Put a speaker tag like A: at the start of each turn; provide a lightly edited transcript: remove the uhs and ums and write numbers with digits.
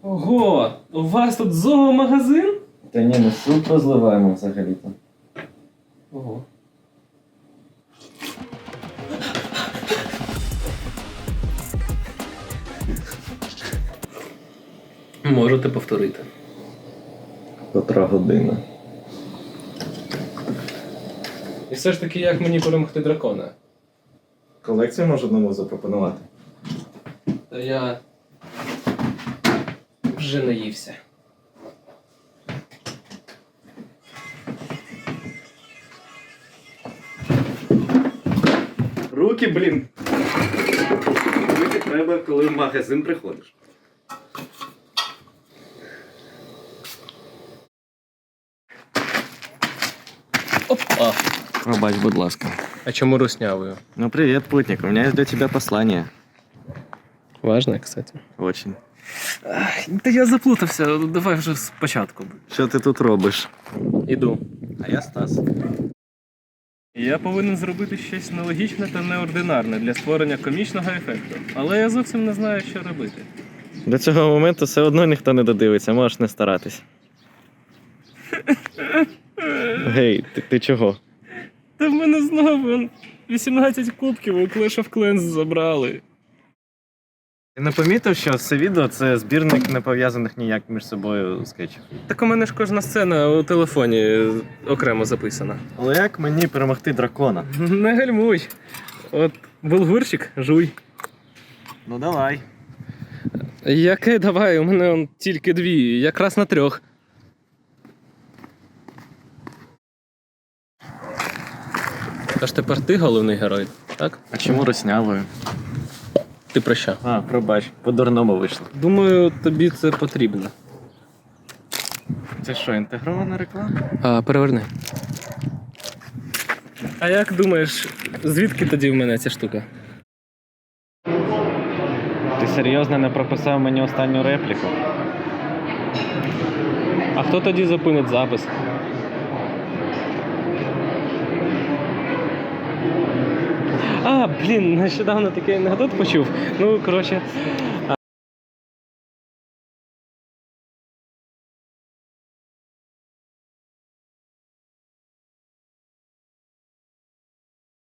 A: Ого, у вас тут зоомагазин?
B: Та ні, ми суп розливаємо взагалі-то.
A: Ого. Можете повторити.
B: Котра година.
A: І все ж таки, як мені перемогти дракона?
B: Колекцію можу нову запропонувати.
A: Та я вже наївся.
B: Руки, блін! Руки треба, коли в магазин приходиш.
A: Опа!
B: Пробач, будь ласка.
A: А чому руснявою?
B: Ну привет, путник, у меня есть для тебя послание.
A: Важно, кстати.
B: Очень.
A: Та я заплутався, давай вже спочатку.
B: Що ти тут робиш?
A: Іду.
B: А я Стас.
A: Я повинен зробити щось нелогічне та неординарне для створення комічного ефекту. Але я зовсім не знаю, що робити.
B: До цього моменту все одно ніхто не додивиться, можеш не старатись. Гей, ти чого?
A: Та в мене знову 18 кубків у Clash of Clans забрали.
B: Ти не помітив, що все відео це збірник не пов'язаних ніяк між собою скетчів?
A: Так у мене ж кожна сцена у телефоні окремо записана.
B: Але як мені перемогти дракона?
A: Не гальмуй. От булгурчик, жуй.
B: Ну давай.
A: Яке давай, у мене он тільки 2, якраз на 3. Тож тепер ти головний герой, так?
B: А чому руснявою?
A: Ти про що?
B: А, пробач, по-дурному вийшло.
A: Думаю, тобі це потрібно.
B: Це що, інтегрована реклама?
A: Переверни. А як думаєш, звідки тоді в мене ця штука?
B: Ти серйозно не прописав мені останню репліку?
A: А хто тоді зупинить запис? Блін, нещодавно такий анекдот почув. Ну, коротше,